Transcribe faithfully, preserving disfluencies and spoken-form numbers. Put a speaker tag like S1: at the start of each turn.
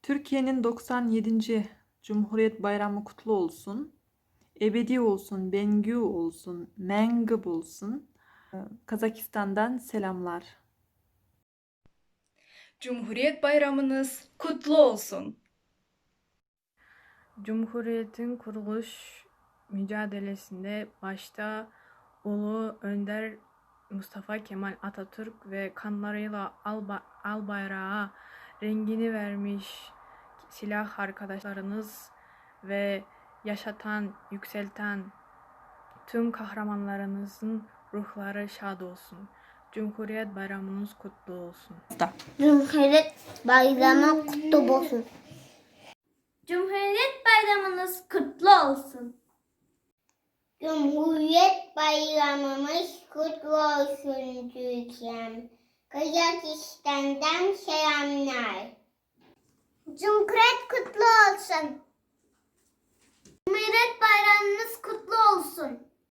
S1: Türkiye'nin doksan yedinci Cumhuriyet Bayramı kutlu olsun. Ebedi olsun, Bengü olsun, Mengıb olsun. Kazakistan'dan selamlar.
S2: Cumhuriyet Bayramınız kutlu olsun.
S3: Cumhuriyetin kuruluş mücadelesinde başta Ulu Önder Mustafa Kemal Atatürk ve kanlarıyla al, al bayrağa rengini vermiş silah arkadaşlarınız ve yaşatan, yükselten tüm kahramanlarınızın ruhları şad olsun. Cumhuriyet Bayramınız kutlu olsun.
S4: Cumhuriyet Bayramı kutlu olsun.
S5: Cumhuriyet Bayramınız kutlu olsun.
S4: Cumhuriyet Bayramımız kutlu olsun Türkiye'm. Kazakistan'dan selamlar.
S5: Cumhuriyet kutlu olsun. Cumhuriyet Bayramınız kutlu olsun.